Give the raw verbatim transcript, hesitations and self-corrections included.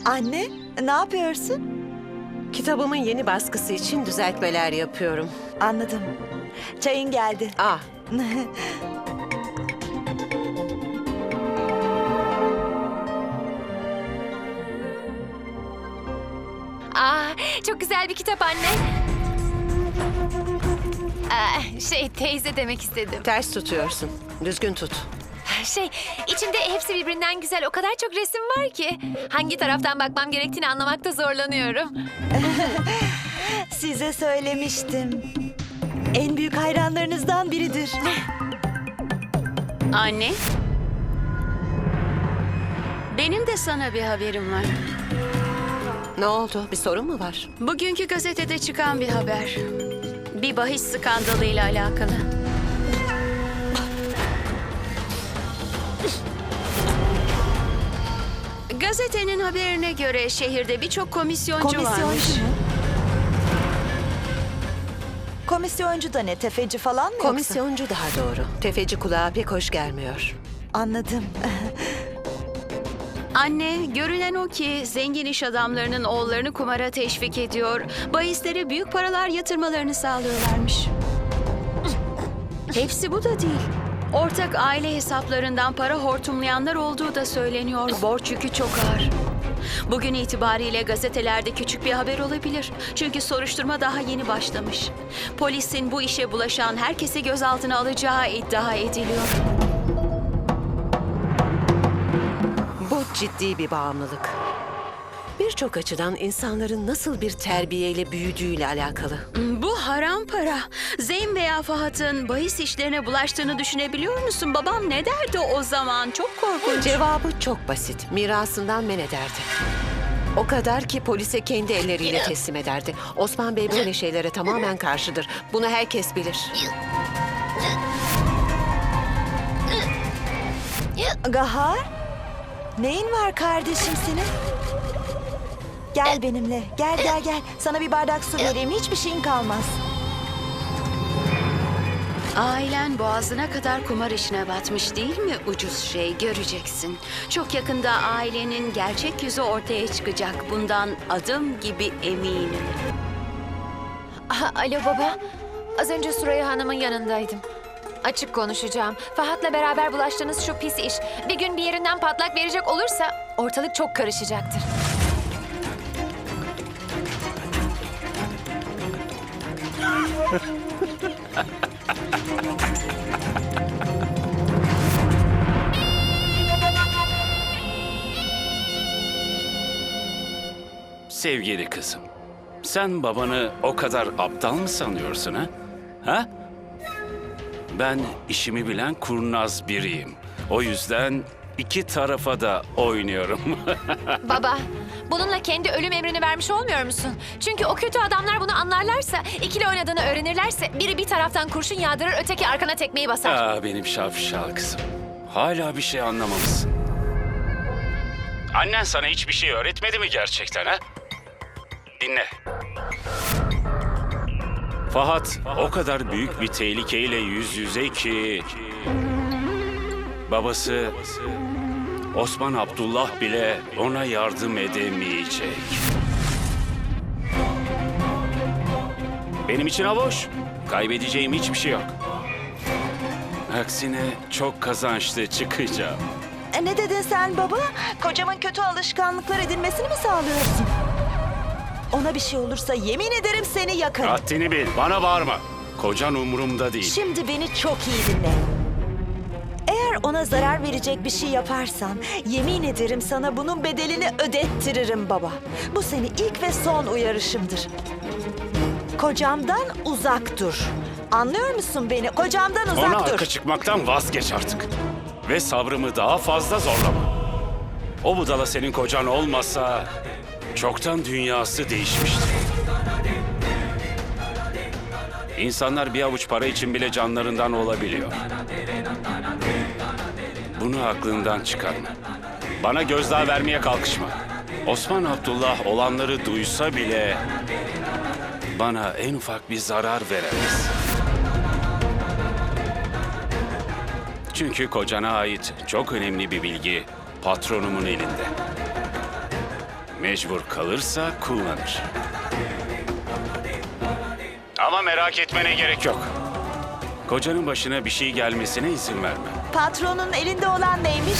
Anne, ne yapıyorsun? Kitabımın yeni baskısı için düzeltmeler yapıyorum. Anladım. Çayın geldi. Ah, Aa, çok güzel bir kitap anne. Aa, şey teyze demek istedim. ters tutuyorsun. Düzgün tut. Şey içinde hepsi birbirinden güzel o kadar çok resim var ki. Hangi taraftan bakmam gerektiğini anlamakta zorlanıyorum. Size söylemiştim. En büyük hayranlarınızdan biridir. Anne. Benim de sana bir haberim var. Ne oldu? Bir sorun mu var? Bugünkü gazetede çıkan bir haber. Bir bahis skandalıyla alakalı. Gazetenin haberine göre şehirde birçok komisyoncu, Komisyoncu varmış. mu? Komisyoncu da ne? Tefeci falan mı yoksa? Komisyoncu daha doğru. Tefeci kulağa pek hoş gelmiyor. Anladım. Anne, görünen o ki zengin iş adamlarının oğullarını kumara teşvik ediyor, bahislere büyük paralar yatırmalarını sağlıyorlarmış. Hepsi bu da değil. Ortak aile hesaplarından para hortumlayanlar olduğu da söyleniyor. Borç yükü çok ağır. Bugün itibariyle gazetelerde küçük bir haber olabilir. Çünkü soruşturma daha yeni başlamış. Polisin bu işe bulaşan herkesi gözaltına alacağı iddia ediliyor. Bu ciddi bir bağımlılık. Birçok açıdan insanların nasıl bir terbiyeyle büyüdüğüyle alakalı. Bu haram para. Zeyn veya Fahat'ın bahis işlerine bulaştığını düşünebiliyor musun? Babam ne derdi o zaman? Çok korkunç. Cevabı çok basit. Mirasından men ederdi. O kadar ki polise kendi elleriyle teslim ederdi. Osman Bey böyle şeylere tamamen karşıdır. Bunu herkes bilir. Gahar, neyin var kardeşim senin? Gel benimle. Gel gel gel. Sana bir bardak su vereyim. Hiçbir şeyin kalmaz. Ailen boğazına kadar kumar işine batmış değil mi? Ucuz şey, göreceksin. Çok yakında ailenin gerçek yüzü ortaya çıkacak. Bundan adım gibi eminim. Aha, alo baba. Az önce Süreyya Hanım'ın yanındaydım. Açık konuşacağım. Fahat'la beraber bulaştığınız şu pis iş bir gün bir yerinden patlak verecek olursa ortalık çok karışacaktır. Sevgili kızım, sen babanı o kadar aptal mı sanıyorsun ha? Ha? Ben işimi bilen kurnaz biriyim. O yüzden iki tarafa da oynuyorum. Baba, bununla kendi ölüm emrini vermiş olmuyor musun? Çünkü o kötü adamlar bunu anlarlarsa, ikili oynadığını öğrenirlerse biri bir taraftan kurşun yağdırır, öteki arkana tekmeyi basar. Aa, benim şapşal kızım. Hala bir şey anlamamışsın. Annen sana hiçbir şey öğretmedi mi gerçekten ha? Dinle. Fahat o kadar büyük bir tehlikeyle yüz yüze ki... Babası Osman Abdullah bile ona yardım edemeyecek. Benim için boş. Kaybedeceğim hiçbir şey yok. Aksine çok kazançlı çıkacağım. E, ne dedin sen baba? Kocamın kötü alışkanlıklar edinmesini mi sağlıyorsun? Ona bir şey olursa yemin ederim seni yakarım. Haddini bil, bana bağırma. Kocan umurumda değil. Şimdi beni çok iyi dinle. Eğer ona zarar verecek bir şey yaparsan yemin ederim sana bunun bedelini ödettiririm baba. Bu seni ilk ve son uyarışımdır. Kocamdan uzak dur. Anlıyor musun beni? Kocamdan uzak Ona dur. arka çıkmaktan vazgeç artık. Ve sabrımı daha fazla zorlama. O budala senin kocan olmasa çoktan dünyası değişmişti. İnsanlar bir avuç para için bile canlarından olabiliyor. Bunu aklından çıkarma. Bana gözdağı vermeye kalkışma. Osman Abdullah olanları duysa bile bana en ufak bir zarar veremez. Çünkü kocana ait çok önemli bir bilgi patronumun elinde. Mecbur kalırsa kullanır. Ama merak etmene gerek yok. Kocanın başına bir şey gelmesine izin verme. Patronun elinde olan neymiş?